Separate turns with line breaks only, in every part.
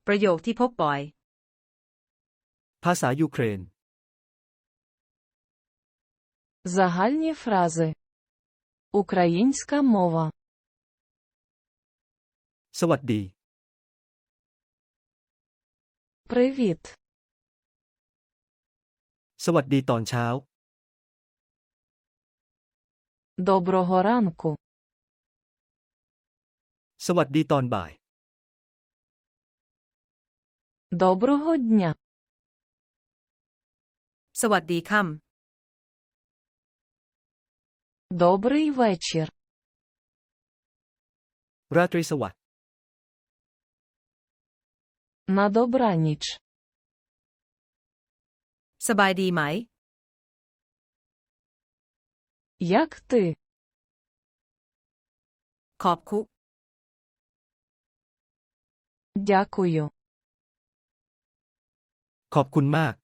ประโยคที่พบบ่อย
ภาษายูเครน
Загальні фрази. Українська мова.
สวัสดี
Привіт.
สวัสดีตอนเช้า
Доброго ранку.
สวัสดีตอนบ่าย
Доброго дня.
สวัสดีค่
Добрий вечір.
ราตรีสวัสดิ์
На добраніч.
ำสบายดีไหม
Як ти?
ขอบคุณ
Дякую.
ขอบคุณมาก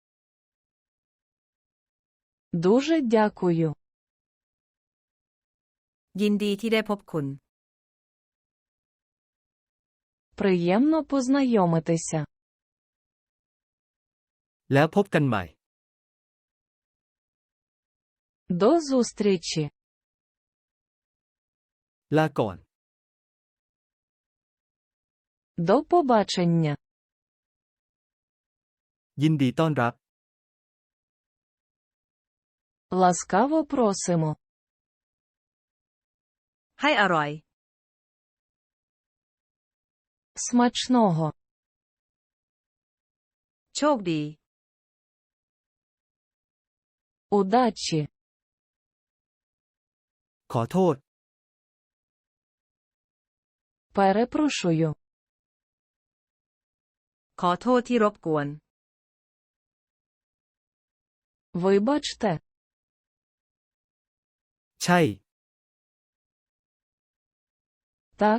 Дуже дякую.
ยินดีที่ได้พบคุณ
Приємно познайомитися.
แล้วพบกันใหม่
До зустрічі.
ลาก่อน
До побачення.
ยินดีต้อนรับ
Ласкаво просимо.
ให้อร่อย
Смачного.
โชคดี
Удачі.
ขอโทษ
Перепрошую.
ขอโทษที่รบกวน
Вибачте.
ใช่
Так.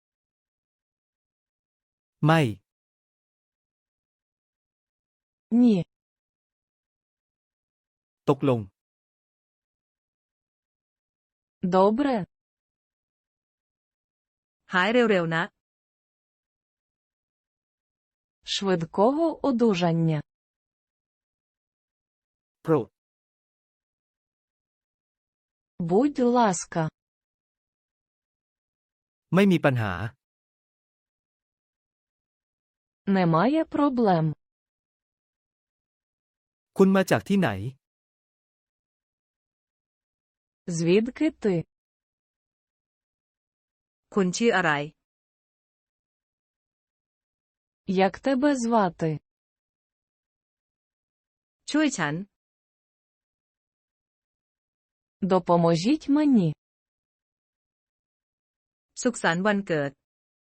ไม่
Ні.
ตกลง
Добре.
หายเร็วๆนะ
Швидкого одужання.
โปรด
Будь ласка.
ไม่มีปัญหา
Немає проблем.
คุณมาจากที่ไหน
Звідки ти?
คุณชื่ออะไร
Як тебе звати?
ช่วยฉัน
Допоможіть мені.
สุขสันต์วันเกิด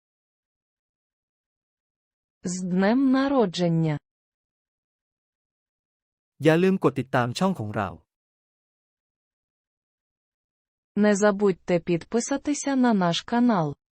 З днем народження.
อย่าลืมกดติดตามช่องของเรา
Не забудьте підписатися на наш канал.